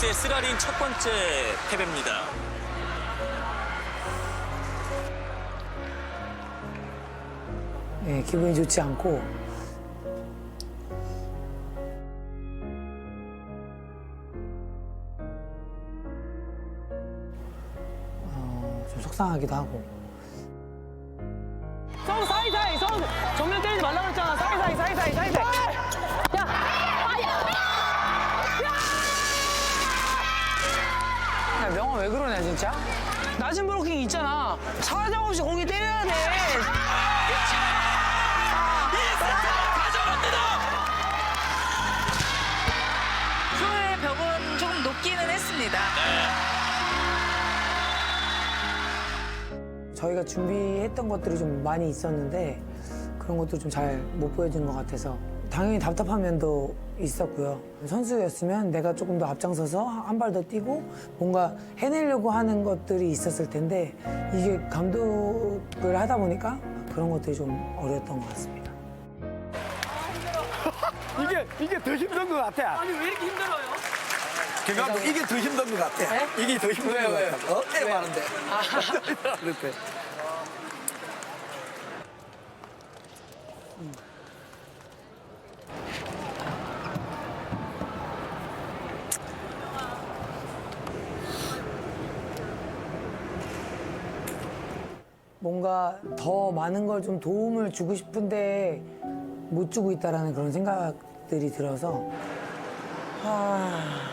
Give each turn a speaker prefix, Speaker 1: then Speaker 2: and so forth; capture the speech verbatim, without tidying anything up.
Speaker 1: 선수의 쓰라린 첫 번째 패배입니다.
Speaker 2: 네, 기분이 좋지 않고 어, 좀 속상하기도 하고.
Speaker 3: 성 사이사이 성 정면 때리지 말라고 했잖아. 사이사이 사이사이 사이사이. 야 명호 왜 그러냐 진짜? 낮은 브로킹 있잖아. 사정없이 공이 때려야 돼.
Speaker 4: 프로의 벽은 조금 높기는 했습니다.
Speaker 2: 저희가 준비했던 것들이 좀 많이 있었는데 그런 것도 좀 잘 못 보여준 것 같아서 당연히 답답한 면도 있었고요. 선수였으면 내가 조금 더 앞장서서 한 발 더 뛰고 뭔가 해내려고 하는 것들이 있었을 텐데 이게 감독을 하다 보니까 그런 것들이 좀 어려웠던 것 같습니다.
Speaker 5: 이게 이게 더 힘든 것 같아.
Speaker 3: 아니 왜 이렇게 힘들어요?
Speaker 5: 경감독 이게 더 힘든 것 같아. 이게 더 힘든
Speaker 3: 왜요,
Speaker 5: 것
Speaker 3: 왜요?
Speaker 5: 같아. 어? 애 많은데. 그렇대.
Speaker 2: 뭔가 더 많은 걸 좀 도움을 주고 싶은데 못 주고 있다라는 그런 생각들이 들어서 아.